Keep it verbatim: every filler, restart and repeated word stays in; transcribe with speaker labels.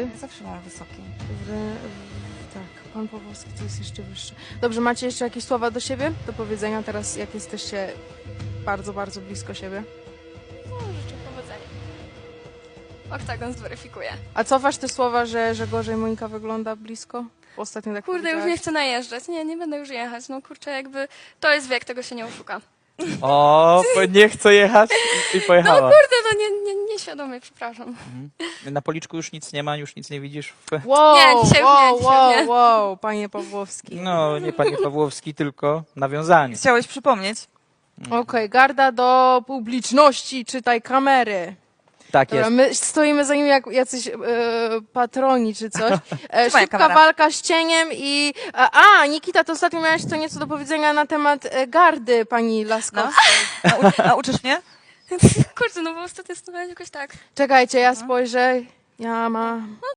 Speaker 1: wyższy?
Speaker 2: Zawsze mam wysoki.
Speaker 1: W, w, tak, pan Pawłowski to jest jeszcze wyższy. Dobrze, macie jeszcze jakieś słowa do siebie? Do powiedzenia teraz, jak jesteście bardzo, bardzo blisko siebie?
Speaker 3: No, życzę powodzenia. Oktagon zweryfikuje.
Speaker 1: A cofasz te słowa, że, że gorzej Monika wygląda blisko? Ostatnio tak
Speaker 3: Kurde, już
Speaker 1: powiedziałaś.
Speaker 3: nie chcę najeżdżać. Nie, nie będę już jechać. No kurczę, jakby to jest wiek, tego się nie oszuka.
Speaker 4: O, bo nie chcę jechać i, i
Speaker 3: No
Speaker 4: pojechała.
Speaker 3: kurde, no nie, nie, nieświadomie, przepraszam.
Speaker 4: Na policzku już nic nie ma, już nic nie widzisz. W...
Speaker 1: Wow,
Speaker 3: Nie, dzisiaj już
Speaker 1: wow,
Speaker 3: nie, dzisiaj
Speaker 1: wow,
Speaker 3: nie.
Speaker 1: wow, panie Pawłowski.
Speaker 4: No, nie panie Pawłowski, tylko nawiązanie.
Speaker 2: Chciałeś przypomnieć?
Speaker 1: Okej, garda do publiczności, czytaj kamery.
Speaker 4: Tak
Speaker 1: Dobra,
Speaker 4: jest.
Speaker 1: my stoimy za nimi jak jacyś e, patroni czy coś. E,
Speaker 2: Trzymaj
Speaker 1: szybka
Speaker 2: kamera.
Speaker 1: walka z cieniem i... A, a, Nikita, to ostatnio miałaś co nieco do powiedzenia na temat e, gardy pani Laskowskiej.
Speaker 2: Nau nauczysz mnie?
Speaker 3: Kurde, no bo ostatnio stanąłeś jakoś tak.
Speaker 1: Czekajcie, ja spojrzę. Ja mam...